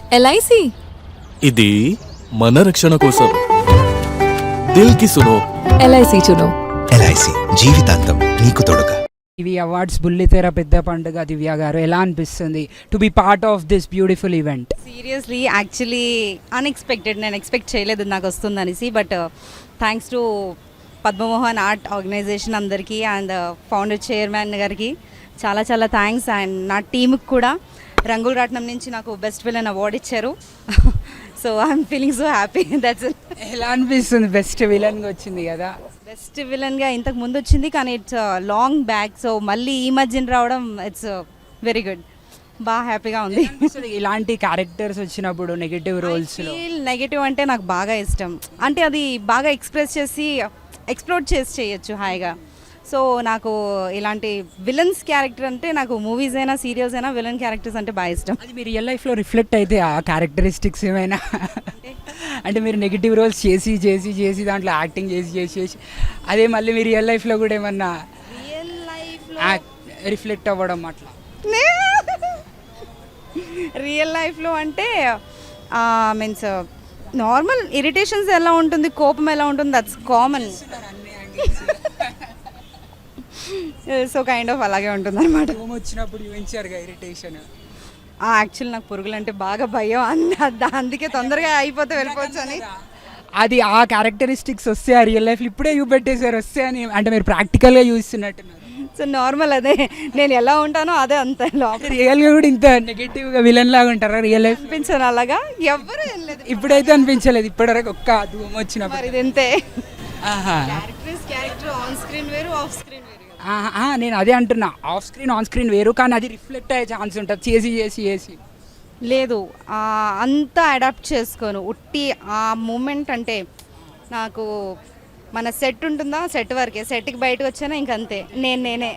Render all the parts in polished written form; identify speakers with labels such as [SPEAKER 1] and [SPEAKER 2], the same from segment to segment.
[SPEAKER 1] LIC
[SPEAKER 2] ఇది మన రక్షణ కోసం. దిల్ కి సునో.
[SPEAKER 1] ఎల్ఐసి చునో.
[SPEAKER 3] ఎల్ఐసి జీవితాంతం నీకు తోడుగా.
[SPEAKER 4] టీవీ అవార్డ్స్ బుల్లితెర పెద్ద పండుగ. దివ్య గారు, ఎలా అనిపిస్తుంది to be part of this beautiful event?
[SPEAKER 5] Seriously actually unexpected, నేను ఎక్స్పెక్ట్ చేయలేదు నాకు వస్తుందనేసి. But thanks to Padmamohan art organization అందరికీ అండ్ ఫౌండర్ చైర్మన్ గారికి చాలా చాలా థ్యాంక్స్. అండ్ నా టీంకి కూడా రంగుల రాట్నం నుంచి నాకు బెస్ట్ విలన్ అవార్డు ఇచ్చారు. So I'm feeling so happy. That's
[SPEAKER 4] ఎలా అనిపిస్తుంది? బెస్ట్ విలన్గా వచ్చింది కదా.
[SPEAKER 5] బెస్ట్ విలన్గా ఇంతకు ముందు వచ్చింది కానీ ఇట్స్ లాంగ్ బ్యాక్. సో మళ్ళీ ఈ మధ్యన రావడం ఇట్స్ వెరీ గుడ్. బాగా హ్యాపీగా ఉంది.
[SPEAKER 4] ఇలాంటి క్యారెక్టర్స్ వచ్చినప్పుడు నెగటివ్ రోల్స్లో
[SPEAKER 5] నెగటివ్ అంటే నాకు బాగా ఇష్టం. అంటే అది బాగా ఎక్స్ప్లోర్ చేసి చేయొచ్చు హాయిగా. సో నాకు ఇలాంటి విలన్స్ క్యారెక్టర్ అంటే నాకు మూవీస్ అయినా సీరియల్స్ అయినా విలన్ క్యారెక్టర్స్ అంటే బాగా ఇష్టం.
[SPEAKER 4] అది మీ రియల్ లైఫ్లో రిఫ్లెక్ట్ అయితే ఆ క్యారెక్టరిస్టిక్స్ ఏమైనా అంటే మీరు నెగిటివ్ రోల్స్ చేసి చేసి చేసి దాంట్లో యాక్టింగ్ చేసి చేసి చేసి అదే మళ్ళీ మీ రియల్ లైఫ్లో కూడా ఏమన్నా
[SPEAKER 5] రియల్ లైఫ్లో
[SPEAKER 4] రిఫ్లెక్ట్ అవ్వడం అట్లా?
[SPEAKER 5] రియల్ లైఫ్లో అంటే మీన్స్ నార్మల్ ఇరిటేషన్స్ ఎలా ఉంటుంది, కోపం ఎలా ఉంటుంది, that's common. So kind of అలాగే ఉంటుంది అనమాట.
[SPEAKER 4] వచ్చినప్పుడు చూపించారుగా ఇరిటేషన్.
[SPEAKER 5] యాక్చువల్ నాకు పురుగులు అంటే బాగా భయం, అందుకే తొందరగా అయిపోతే వెళ్ళిపోవచ్చు అని.
[SPEAKER 4] అది ఆ క్యారెక్టరిస్టిక్స్ వస్తే ఆ రియల్ లైఫ్లో ఇప్పుడే చూపెట్టేశారు వస్తే అని అంటే మీరు ప్రాక్టికల్గా చూస్తున్నట్టున్నారు.
[SPEAKER 5] సో నార్మల్ అదే నేను ఎలా ఉంటానో అదే అంత లోపల.
[SPEAKER 4] రియల్గా కూడా ఇంత నెగిటివ్గా విలన్ లాగా ఉంటారా రియల్ లైఫ్?
[SPEAKER 5] అనిపించాను అలాగా ఎవ్వరు ఏం లేదు.
[SPEAKER 4] ఇప్పుడైతే అనిపించలేదు, ఇప్పటివరకు ఒక్క ధూమ్ వచ్చినప్పుడు.
[SPEAKER 5] మరి ఇది ఇంతే.
[SPEAKER 4] క్యారెక్టర్
[SPEAKER 5] ఆన్ స్క్రీన్ వేరు, ఆఫ్ స్క్రీన్ వేరు.
[SPEAKER 4] నేను అదే అంటున్నా, ఆఫ్ స్క్రీన్ ఆన్ స్క్రీన్ వేరు, కానీ అది రిఫ్లెక్ట్ అయ్యే ఛాన్స్ ఉంటుంది చేసి చేసి చేసి.
[SPEAKER 5] లేదు అంతా అడాప్ట్ చేసుకోను. ఉట్టి ఆ మూమెంట్ అంటే నాకు మన సెట్ ఉంటుందా, సెట్ వరకే. సెట్కి బయటకు వచ్చానా ఇంకంతే. నేనే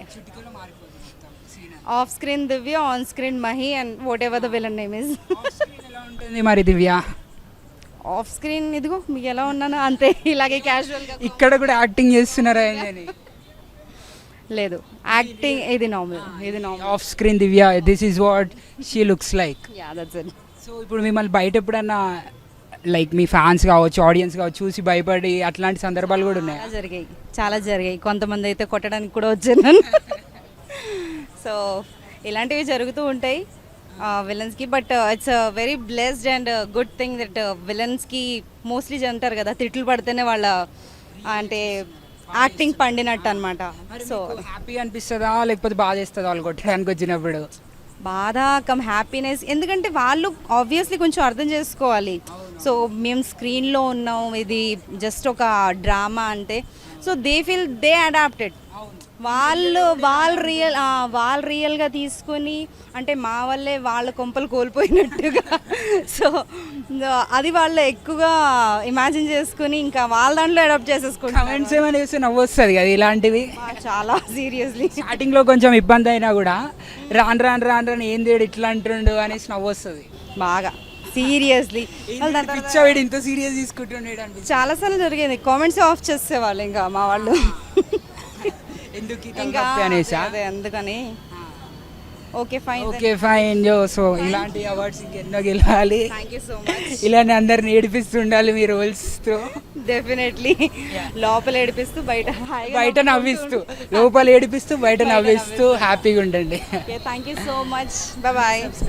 [SPEAKER 5] off screen Divya, on screen Mahi and whatever the villain name is.
[SPEAKER 4] ఎలా ఉంటుంది మరి దివ్య?
[SPEAKER 5] ఆఫ్ స్క్రీన్ ఇదిగో మీకు ఎలా ఉన్నానో అంతే, ఇలాగే క్యాజువల్గా.
[SPEAKER 4] ఇక్కడ కూడా యాక్టింగ్ చేస్తున్నారా అని?
[SPEAKER 5] లేదు యాక్టింగ్ ఇది normal.
[SPEAKER 4] Off screen Divya, this is what she looks like.
[SPEAKER 5] Yeah that's it.
[SPEAKER 4] So ఇప్పుడు మిమ్మల్ని బయట ఎప్పుడన్నా లైక్ మీ ఫ్యాన్స్ కావచ్చు, ఆడియన్స్ కావచ్చు, చూసి భయపడి అట్లాంటి సందర్భాలు కూడా ఉన్నాయి?
[SPEAKER 5] చాలా జరిగాయి. కొంతమంది అయితే కొట్టడానికి కూడా వచ్చాను నన్ను. సో ఇలాంటివి జరుగుతూ ఉంటాయి విలన్స్కి. But it's very blessed and good thing that విలన్స్కి మోస్ట్లీ అంటారు కదా తిట్లు పడితేనే వాళ్ళ అంటే యాక్టింగ్ పండినట్టు అనమాట. సో
[SPEAKER 4] హ్యాపీ అనిపిస్తుందా లేకపోతే బాధ చేస్తుందా వాళ్ళు కొట్టడానికి వచ్చినప్పుడు?
[SPEAKER 5] బాధ కమ్ హ్యాపీనెస్. ఎందుకంటే వాళ్ళు ఆబ్వియస్లీ కొంచెం అర్థం చేసుకోవాలి. సో మేము స్క్రీన్లో ఉన్నాం, ఇది జస్ట్ ఒక డ్రామా అంటే. So they feel they adapted. వాళ్ళు రియల్గా తీసుకొని అంటే మా వల్లే వాళ్ళ కొంపలు కోల్పోయినట్టుగా. సో అది వాళ్ళు ఎక్కువగా ఇమాజిన్ చేసుకుని ఇంకా వాళ్ళ దాంట్లో అడాప్ట్ చేసేసుకుంటారు.
[SPEAKER 4] కమెంట్స్ ఏమైనా చేస్తే నవ్వు వస్తుంది కదా ఇలాంటివి.
[SPEAKER 5] చాలా సీరియస్లీ
[SPEAKER 4] స్టార్టింగ్లో కొంచెం ఇబ్బంది అయినా కూడా రాను రాను రాను రాను ఏం చేయడు ఇట్లా అంటుండు అనేసి నవ్వు వస్తుంది బాగా.
[SPEAKER 5] సీరియస్లీ
[SPEAKER 4] పిచ్చవాడు ఇంత సీరియస్ తీసుకుంటుండేడు అంటే
[SPEAKER 5] చాలాసార్లు జరిగేది. కామెంట్స్ ఆఫ్ చేసేవాళ్ళు ఇంకా మా వాళ్ళు.
[SPEAKER 4] ఎందుకు
[SPEAKER 5] ఇంకా అదే అందుకని ఓకే
[SPEAKER 4] ఫైన్. సో ఇలాంటి అవార్డ్స్ ఇంకెన్నో గెలవాలి.
[SPEAKER 5] Thank you so much.
[SPEAKER 4] ఇలానే అందరిని ఏడిపిస్తుండాలి మీ రోల్స్తో.
[SPEAKER 5] డెఫినెట్లీ లోపల ఏడిపిస్తూ బయట
[SPEAKER 4] నవ్విస్తూ, లోపల ఏడిపిస్తూ బయట నవ్విస్తూ హ్యాపీగా ఉండండి.
[SPEAKER 5] Thank you so much. Bye.